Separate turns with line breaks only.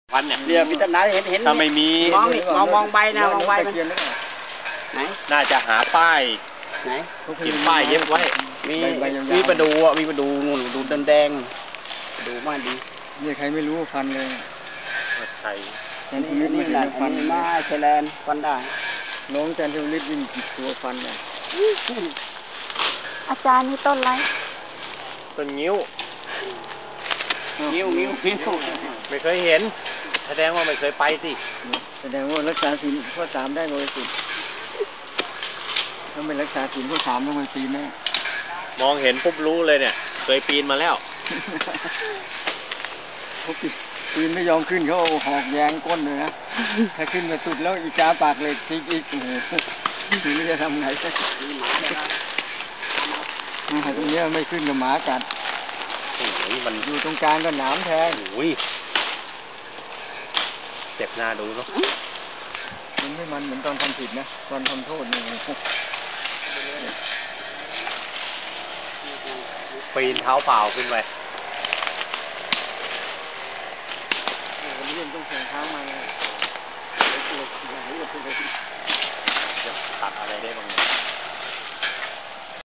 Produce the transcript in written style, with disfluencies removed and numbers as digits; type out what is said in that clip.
พันเนี่ย
เรียพิจารณาเห็น
ถ้าไม่มี
มองใบนะมองใบมันไหน
น่าจะหาป้าย
ไหน
เก็บป้ายเย็บไว้
มีประดูอ่ะมีประดูนู่นดูแดงๆดูมาดี
นี่ใครไม่รู้ฟันเลย
ใช่
นี่แหละอันนี้มาไทยแลนด์ฟันได้
น้องจันทร์ฤทธิ์วิ่งจิตตัวฟันเนี่ย
อาจารย์นี่ต้นอะไร
ต้นงิ้ว
นิ้ว
ไม่เคยเห็น แสดงว่าไม่เคยไปสิ
แสดงว่ารักษาศีลข้อ 3ได้บริสุทธิ์ถ้าไม่รักษาศีลข้อ 3ต้องไปปีแม่
มองเห็นปุ๊บรู้เลยเนี่ย เคยปีนมาแล้ว
เขาปีนไม่ยอมขึ้นเขาเอาหอกแยงก้นเลยนะถ้าขึ้นมาสุดแล้วอีกาปากเหล็กติ๊กอีกโอ้โหทีนี้จะทำไงตรงนี้ไม่ขึ้นกับหมากัด
โอ้ยมัน
อยู่ตรงกลางก็หนามแทง
โอ้ยเจ็บหน้าดูเนาะ
มันไม่มันเหมือนตอนทำผิดนะตอนทำโทษนี่
ปีนเท้าเปล่าขึ้นไป
วันนี้ต้องแข่งเท้ามาเลย
จะตัดอะไรได้บ้างเนี่ย